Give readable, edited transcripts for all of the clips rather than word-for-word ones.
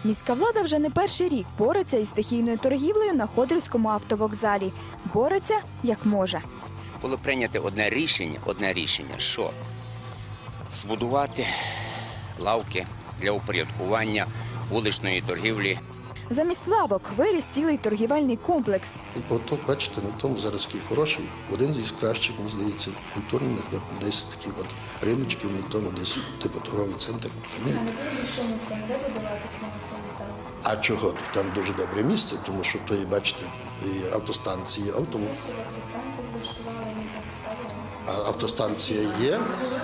Міська влада вже не перший рік бореться із стихійною торгівлею на Ходорівському автовокзалі. Бореться як може. Було прийнято одне рішення, що збудувати лавки для упорядкування вуличної торгівлі. Замість лавок виріс цілий торгівельний комплекс. От бачите, на тому зараз такий хороший, один із кращих, мені здається, культурних, десь такі от риночки, на тому десь типу торговий центр. А чого? Там дуже добре місце, тому що то, бачите, і автостанції, а автостанція є.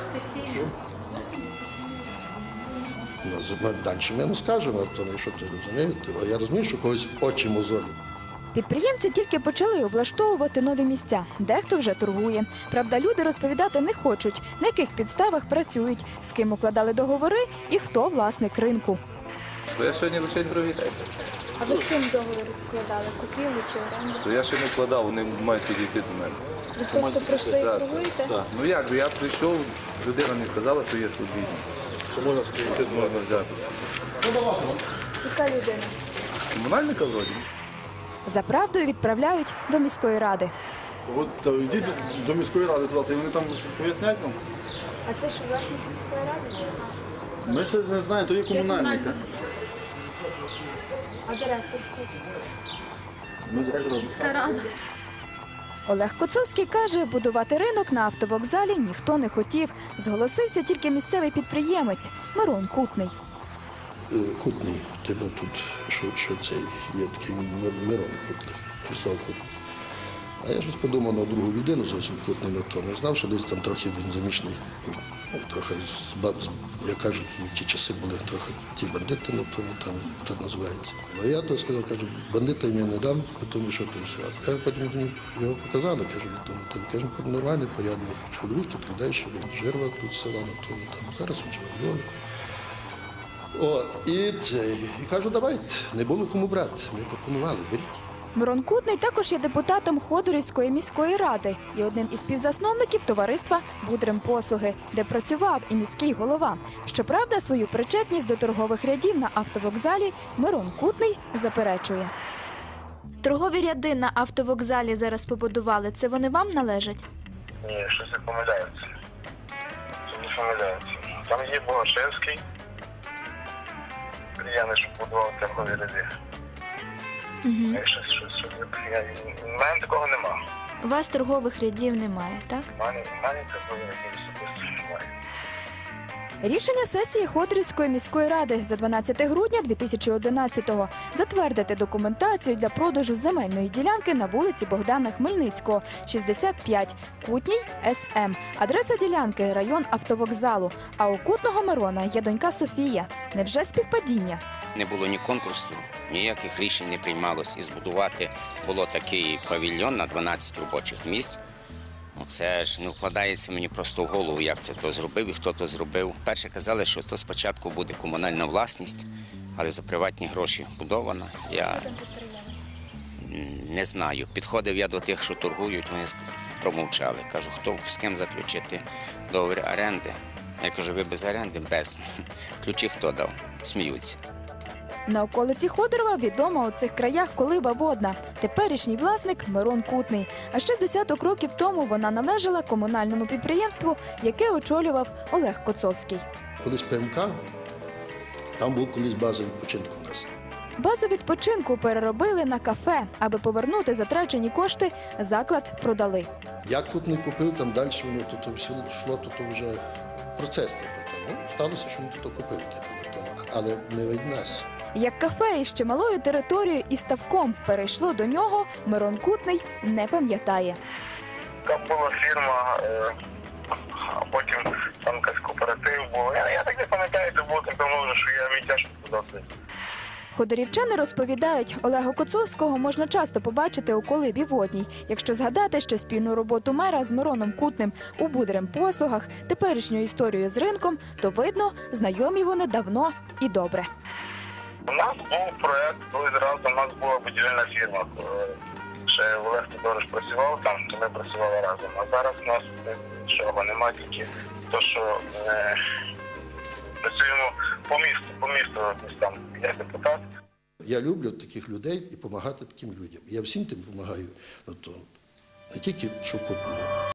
Далі ми не скажемо, тому що ти розумієте. Я розумію, що когось очі мозолі. Підприємці тільки почали облаштовувати нові місця. Дехто вже торгує. Правда, люди розповідати не хочуть, на яких підставах працюють, з ким укладали договори і хто власник ринку. Я сьогодні лише привітаю. А ви з ким договір укладали? Купівлю чи оренду? То я ще не вкладав, вони мають підійти до мене. Ви просто прийшли і торгуєте? Так. Ну як, я прийшов, людина мені сказала, що є свобідні. Що можна скрити, можна взяти. Яка людина? Комунальника вроді. За правдою відправляють до міської ради. От йдіть до міської ради туди, і вони там пояснять вам. А це ж власність міської ради? Ми ще не знаємо, то є комунальника. А директор? Ми директор. Олег Коцовський каже, будувати ринок на автовокзалі ніхто не хотів. Зголосився тільки місцевий підприємець Мирон Кутний. Кутний, тебе тут, що це є такий Мирон Кутний, Мирослав Кутний. А я щось подумав на другу людину зовсім Кутний на тому. Знав, що десь там трохи він замішаний, трохи, як кажуть, в ті часи були трохи ті бандити на тому, там так називається. А я то сказав, кажу, бандита я не дам, на тому, що там все. Кажу, потім мені його показали, кажу, на тому, там, кажу, нормальний, порядний чоловік, так далі, що він жирвав тут села на тому, там, зараз він живе в Львові. І кажу, давайте, не було кому брати, ми пропонували, беріть. Мирон Кутний також є депутатом Ходорівської міської ради і одним із співзасновників товариства «Будремпослуги», де працював і міський голова. Щоправда, свою причетність до торгових рядів на автовокзалі Мирон Кутний заперечує. Торгові ряди на автовокзалі зараз побудували. Це вони вам належать? Ні, щось не помиляються. Це не помиляються. Там є Богашевський, я що будував торгові ряди. У мене такого нема. У вас торгових рядів немає, так? У мене торгові рядів особисто немає. Рішення сесії Ходорівської міської ради за 12 грудня 2011-го затвердити документацію для продажу земельної ділянки на вулиці Богдана Хмельницького, 65, Кутній, СМ. Адреса ділянки – район автовокзалу. А у Кутного Мирона є донька Софія. Невже співпадіння? Не було ні конкурсу, ніяких рішень не приймалось. І збудувати було такий павільйон на 12 робочих місць. Це ж не вкладається мені просто в голову, як це хто зробив і хто то зробив. Перше казали, що то спочатку буде комунальна власність, але за приватні гроші будована. Я не знаю. Підходив я до тих, що торгують, вони промовчали. Кажу, хто з ким заключити договір оренди. Я кажу, ви без оренди? Без. Ключі хто дав? Сміються. На околиці Ходорова відома у цих краях колиба водна. Теперішній власник Мирон Кутний. А ще з десяток років тому вона належала комунальному підприємству, яке очолював Олег Коцовський. Колись ПМК, там був колись база відпочинку в нас. Базу відпочинку переробили на кафе. Аби повернути затрачені кошти, заклад продали. Як Кутний купив, там далі воно то все йшло, то вже процес. Сталося, що він тут купив, але не від нас. Як кафе із чималою територією і ставком перейшло до нього, Мирон Кутний не пам'ятає. Там була фірма, а потім там якийсь кооператив був. Я так не пам'ятаю, це було так давно, що я мій тяжко сказати. Ходорівчани розповідають, Олега Коцовського можна часто побачити у колибі водній. Якщо згадати ще спільну роботу мера з Мироном Кутним у Будремпослугах, теперішню історію з ринком, то видно, знайомі вони давно і добре. У нас був проєкт, коли зразу у нас була будівельна фірма. Ще Олег Тодорович працював там, то ми працювали разом. А зараз у нас нічого немає, тільки те, що працюємо по місту, там, я депутат. Я люблю таких людей і допомагати таким людям. Я всім тим допомагаю. Не тільки що